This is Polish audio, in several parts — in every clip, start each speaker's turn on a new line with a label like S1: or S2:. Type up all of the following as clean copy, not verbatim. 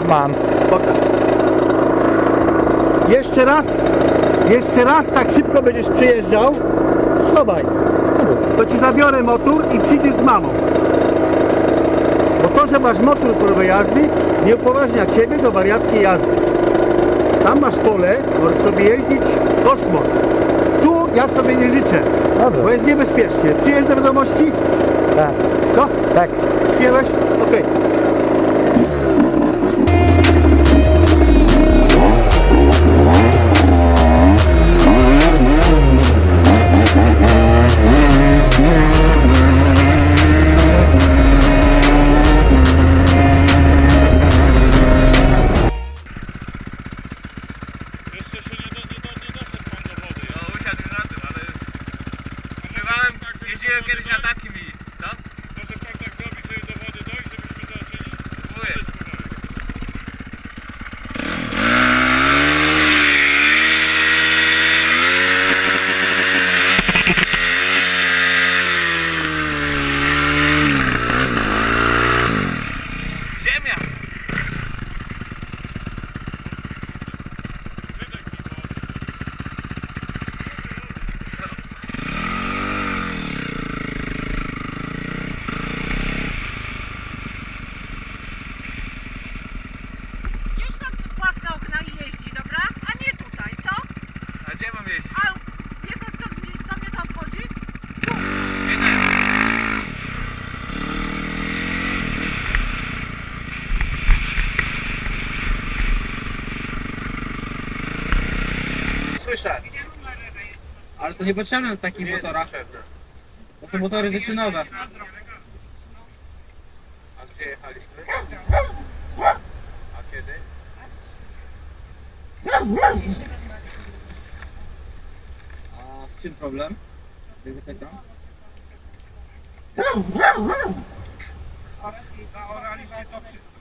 S1: Mam.
S2: Pokaż. Jeszcze raz tak szybko będziesz przyjeżdżał. Schowaj. To ci zabiorę motor i przyjdziesz z mamą. Bo to, że masz motor próbę jazdy, nie upoważnia ciebie do wariackiej jazdy. Tam masz pole, możesz sobie jeździć w kosmos. Tu ja sobie nie życzę,
S1: Dobrze.
S2: bo jest niebezpiecznie. Przyjeżdżasz do wiadomości?
S1: Tak.
S2: Co?
S1: Tak.
S2: Przyjechałeś? Okej.
S3: Jeszcze się nie doszedł pan do wody. No usiadł na tym, ale... Używałem, jeździłem kiedyś na takim i... Co? Może pan tak zrobić, żeby do wody dojść, żebyśmy zobaczyli? Próbuję. Ziemia!
S4: Gdzieś tam własne okna i jeździ, dobra? A nie tutaj, co?
S3: A gdzie mam jeździć?
S4: A wie pan, co mnie to obchodzi?
S3: Słyszę. Ale to niepotrzebne na takich motorach. Bo to motory wyczynowe. A gdzie jechaliśmy? A kiedy? A w czym problem? Zapytam.
S5: Zaoraliśmy to wszystko.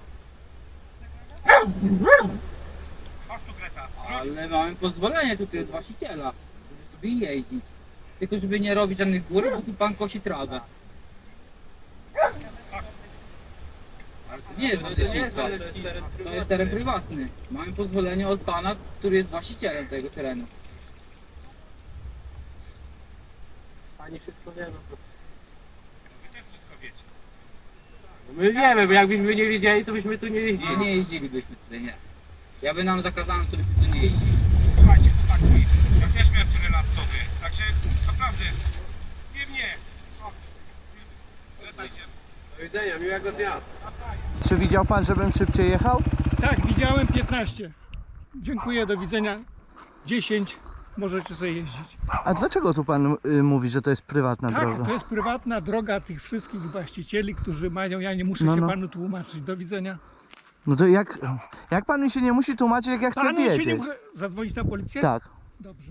S5: Chodź tu, Greta.
S3: Ale mamy pozwolenie tutaj od właściciela, żeby sobie jeździć. Tylko żeby nie robić żadnych gór, bo tu pan kosi trawę. Ale to nie jest leśnictwo. To jest teren prywatny. Mamy pozwolenie od pana, który jest właścicielem tego terenu.
S6: Pani wszystko wie, no to...
S5: Wy też wszystko wiecie.
S6: No my wiemy, bo jakbyśmy nie wiedzieli, to byśmy tu nie jeździli.
S3: Nie jeździlibyśmy tutaj, nie. Ja by nam zakazałem, to byśmy tu nie jeździli.
S5: Słuchajcie, chłopaki, ja też miałem tyle lat co wy. Także naprawdę, nie mnie. Greta się.
S6: Do widzenia, miłego dnia.
S2: Czy widział pan, żebym szybciej jechał?
S7: Tak, widziałem 15. Dziękuję, do widzenia. 10. Możecie sobie jeździć.
S2: A dlaczego tu pan mówi, że to jest prywatna
S7: Tak,
S2: droga?
S7: to jest prywatna droga tych wszystkich właścicieli, którzy mają. Ja nie muszę
S2: No,
S7: się
S2: no.
S7: panu tłumaczyć. Do widzenia.
S2: No to jak pan mi się nie musi tłumaczyć, jak ja chcę
S7: Panu się nie
S2: wiedzieć?
S7: muszę zadzwonić na policję?
S2: Tak.
S7: Dobrze.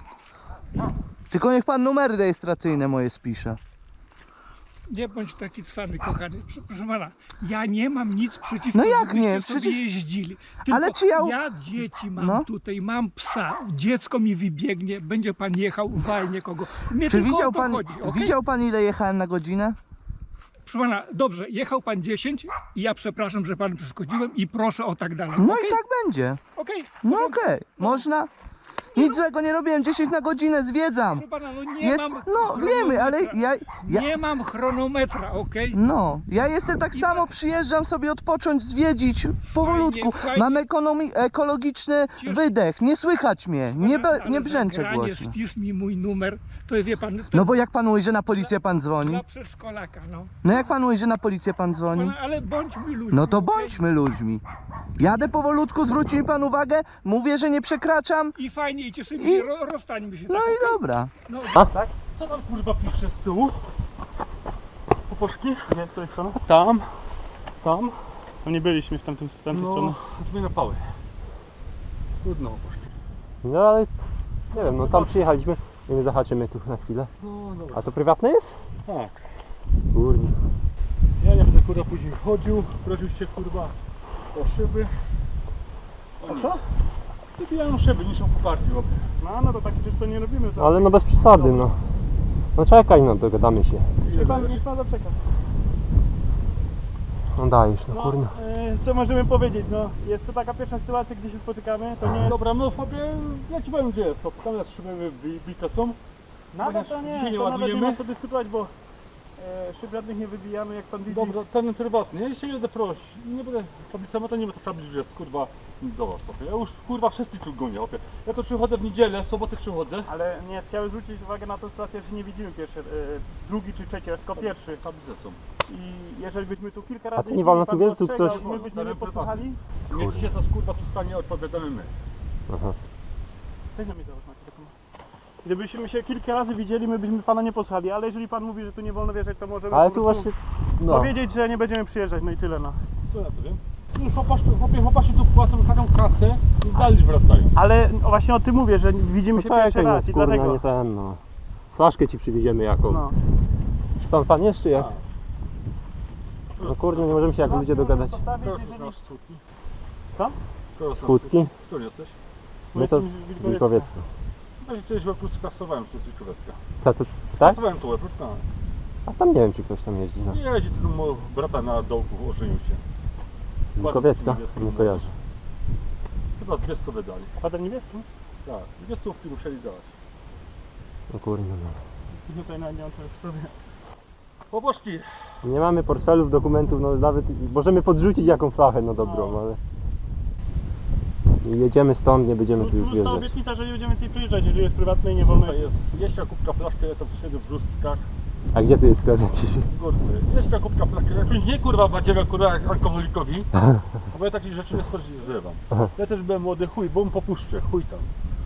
S2: Tylko niech pan numery rejestracyjne moje spisze.
S7: Nie bądź taki cwany, kochany. Proszę pana, ja nie mam nic przeciwko,
S2: No jak
S7: żebyście
S2: nie?
S7: sobie
S2: Przecież-
S7: jeździli. Tylko
S2: Ale czy ja-
S7: ja dzieci mam
S2: No.
S7: tutaj, mam psa, dziecko mi wybiegnie, będzie pan jechał, walnie kogo. Mnie
S2: Czy
S7: tylko
S2: widział
S7: o to
S2: pan,
S7: chodzi, okej?
S2: widział pan ile jechałem na godzinę?
S7: Proszę pana, dobrze, jechał pan 10 i ja przepraszam, że panu przeszkodziłem i proszę o tak dalej.
S2: No
S7: Okej?
S2: i tak będzie.
S7: Okej.
S2: No okej, można. Nic złego nie robiłem, 10 na godzinę zwiedzam.
S7: Proszę pana, no nie
S2: Jest,
S7: mam
S2: no wiemy, ale ja
S7: Nie mam chronometra, okej?
S2: no, ja jestem tak samo, przyjeżdżam sobie odpocząć, zwiedzić, powolutku.
S7: fajnie.
S2: Mam ekologiczny
S7: Cieszę-
S2: wydech, nie słychać mnie,
S7: Ale
S2: nie
S7: za
S2: brzęczę
S7: granie
S2: głośno.
S7: Wpisz mi mój numer, to wie pan, to
S2: No bo jak pan mówi, że na policję pan dzwoni?
S7: dla przedszkolaka, no.
S2: No jak pan mówi, że na policję pan dzwoni?
S7: Pana, ale bądźmy ludźmi.
S2: No to
S7: okej?
S2: bądźmy ludźmi. Jadę powolutku, zwróci mi pan uwagę, mówię, że nie przekraczam.
S7: I fajnie, i cieszymy
S2: I-
S7: się, rozstańmy się.
S2: No
S7: tak,
S2: i
S7: okej?
S2: dobra.
S7: No,
S6: Co tam kurwa pisze z tyłu? Poposzki? Nie, z której strony? Tam. Tam. No nie byliśmy w tamtej stronie. Drzwi na pały. Trudno poszli.
S8: No ale nie wiem, no tam przyjechaliśmy i my zahaczymy tu na chwilę.
S6: No dobra.
S8: A to prywatne jest?
S6: Tak.
S8: Kurni.
S6: Ja nie będę kurwa później chodził, prosił się kurwa o szyby. O nic. Wybijają szyby, niszczą koparki robię. No to takie rzeczy to nie robimy. To
S8: Ale no bez przesady, no. No czekaj, no dogadamy się.
S6: Niech pan zaczeka.
S8: No dajesz, no kurna.
S6: Co możemy powiedzieć, no jest to taka pierwsza sytuacja, gdzie się spotykamy, to nie jest... Dobra, no chłopie, ja ci powiem gdzie jest, tam nas szyby wybite są. Nawet to nie,
S7: dzisiaj nie
S6: to nawet nie
S7: ładujemy.
S6: ma co dyskutować, bo szyb żadnych nie wybijamy, jak pan widzi.
S7: Dobra, ten prywatny, ja jeszcze nie będę prosić, nie będę tablica, to nie będę tablic, że jest kurwa do was, opie. Ja już kurwa wszystkich tu gonię, opie. Ja to przychodzę w niedzielę, w sobotę przychodzę.
S6: Ale nie, chciałem zwrócić uwagę na tą sytuację, że nie widzimy pierwszy, drugi czy trzeci, tylko pierwszy.
S7: Tablice są.
S6: I jeżeli byśmy tu kilka razy
S8: to nie wolno tu
S6: jeździli,
S8: wierzyć,
S6: pan
S8: coś-
S6: ostrzegał, my byśmy nie posłuchali.
S7: Niech się to kurwa tu stanie, odpowiadamy my.
S8: Aha.
S6: Weź na mnie załóż na telefon. Gdybyśmy się kilka razy widzieli, my byśmy pana nie posłuchali, ale jeżeli pan mówi, że tu nie wolno wjeżdżać, to możemy
S8: Ale
S6: po
S8: tu
S6: prostu
S8: właśnie, no.
S6: powiedzieć, że nie będziemy przyjeżdżać, no i tyle, no.
S7: Co ja to wiem? Już chłopacy tu płacą taką kasę i dalej wracają.
S6: Ale właśnie o tym mówię, że widzimy się pierwszy
S8: Czekaj, no
S6: raz i
S8: kurna,
S6: dlatego.
S8: nie ten, no. Flaszkę ci przywieziemy jaką.
S6: No.
S8: Pan jeszcze jak?
S7: A.
S8: No kurde, nie możemy się jak ludzie dogadać.
S7: Kogo tu znasz z Łódki?
S6: Co?
S7: Kogo znasz z
S8: Łódki?
S7: Skąd jesteś?
S8: My to Wilkowiecko.
S7: No i kiedyś w Łebru skasowałem tu z Wilkowiecka.
S8: Co to, tak?
S7: Kasowałem tu Łebru, tak.
S8: A tam nie wiem, czy ktoś tam jeździ, no.
S7: Nie jeździ, tylko mój brata na dołku ożenił się.
S8: Wilkowiecka? Nie kojarzę.
S7: Chyba 200 wydali.
S6: Kwadem niebieskim?
S7: Tak, 200 musieli dać.
S8: No kurde, no.
S6: Tutaj na nie mam w sobie.
S7: Chłopaczki,
S8: Nie mamy portfelów, dokumentów, no nawet możemy podrzucić jaką flachę, no dobrą, ale... Jedziemy stąd, nie będziemy tu już
S6: Plus ta
S8: wjeżdżać.
S6: obietnica, że nie będziemy więcej przyjeżdżać, jeżeli jest prywatne i nie wolno.
S7: tutaj jest jeszcze kubka flaszkę, ja to siedzę w Brzustkach.
S8: A gdzie tu jest sklep jakiś?
S7: Kurde, jeszcze kubka flaszkę, jakąś nie kurwa badziewa kurwa jak alkoholikowi. Bo ja takich rzeczy nie spodziewam. Ja też byłem młody chuj, bo mu popuszczę, chuj tam.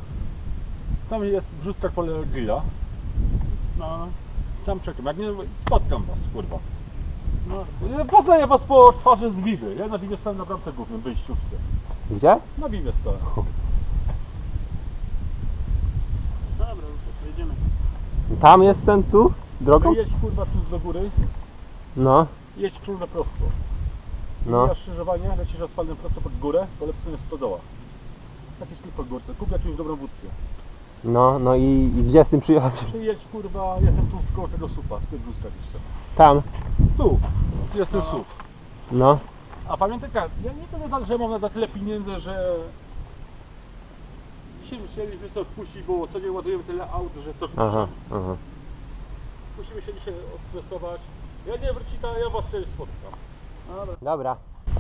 S7: Tam jest w Brzustkach pole grilla.
S6: No,
S7: Tam czekam, jak nie spotkam was kurwa.
S6: no.
S7: Poznaję was po twarzy z Wiwy. Ja na Wiwie stałem na bramce głównym, wyjściówce.
S8: Gdzie?
S7: Na Wiwie stałem.
S6: Dobra, już jedziemy.
S8: Tam jest ten tu? Drogą?
S7: Jedź kurwa tu do góry,
S8: No,
S7: jedź krzywdę prosto.
S8: no.
S7: Mijasz skrzyżowanie, lecisz asfaltem prosto pod górę, po lewej stronie stodoła. Taki sklep pod górce, kup jakąś dobrą wódkę.
S8: No, no i gdzie z tym przyjechać?
S7: Przyjedź kurwa, jestem tu w koło tego supa, z tym Brzustkach jestem.
S8: Tam.
S7: Tu jest ten sup.
S8: No.
S7: A pamiętaj, ja nie tyle tak, że mam na tyle pieniędzy, że dzisiaj musieliśmy sobie odpuścić, bo co nie ładujemy tyle aut, że co
S8: Aha, aha.
S7: musimy się dzisiaj odstresować. Jak nie wróci, to ja was kiedyś spotkam.
S8: Dobra.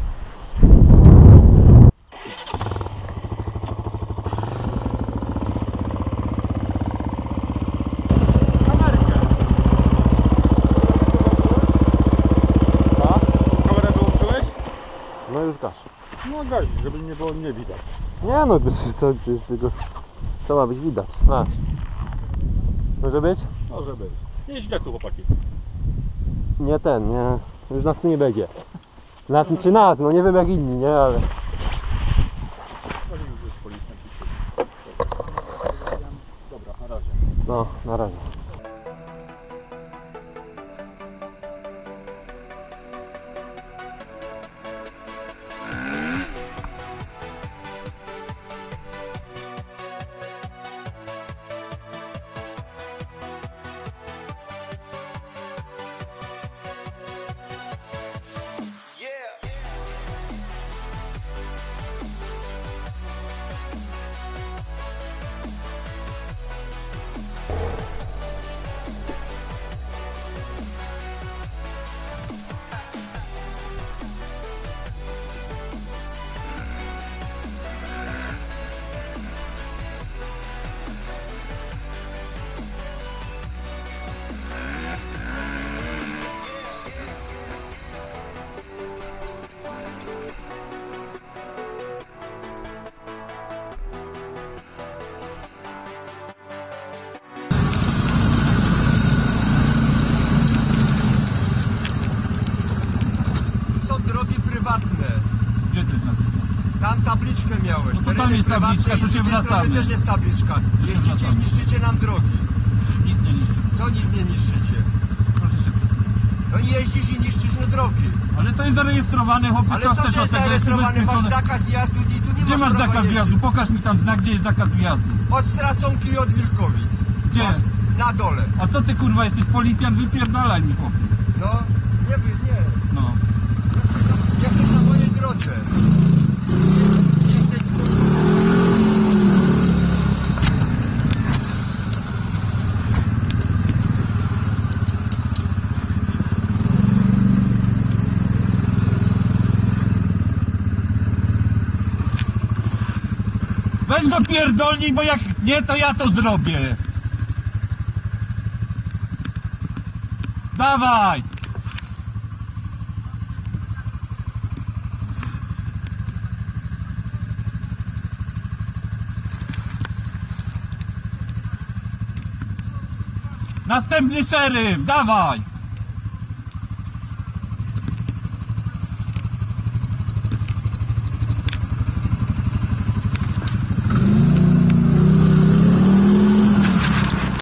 S7: Kamerę wyłączyłeś?
S8: No już gasz.
S7: No gazi, żeby nie było nie widać.
S8: Nie no, to jest tego... Co ma być widać? Masz. Może być?
S7: Może być. Nie źle tu chłopaki.
S8: Nie ten, nie. Już nas tu nie będzie. Nas czy nas, no nie wiem jak inni, nie, ale...
S7: No nie wiem, że jest policjant. Dobra, na razie.
S8: No, na razie.
S1: Są drogi prywatne.
S7: Gdzie ty napisał?
S1: Tam tabliczkę miałeś.
S7: No to tam
S1: Tereny
S7: jest
S1: prywatne
S7: tabliczka,
S1: i
S7: to
S1: z
S7: się
S1: drugiej strony
S7: wracamy.
S1: też jest tabliczka. Jeździcie i niszczycie nam drogi.
S7: Nic nie niszczy.
S1: Co nic nie niszczycie?
S7: Proszę się przyjrzeć.
S1: No nie jeździsz i niszczysz mu drogi.
S7: Ale to jest zarejestrowane, chłopie.
S1: Ale co, że jest zarejestrowany? Masz zakaz wjazdu i tu nie
S7: Gdzie
S1: masz
S7: masz
S1: prawa
S7: zakaz
S1: jeździć.
S7: wjazdu? Pokaż mi tam znak, gdzie jest zakaz wjazdu.
S1: Od Straconki i od Wilkowic.
S7: Gdzie?
S1: Masz na dole.
S7: A co ty kurwa jesteś policjant? Wypierdalaj mi chłopie.
S1: No, nie wiem, nie.
S7: No.
S1: wychodzę.
S4: Jesteś zmuszony.
S2: Weź go pierdolnij, bo jak nie, to ja to zrobię. Dawaj! Następny szeryf, dawaj!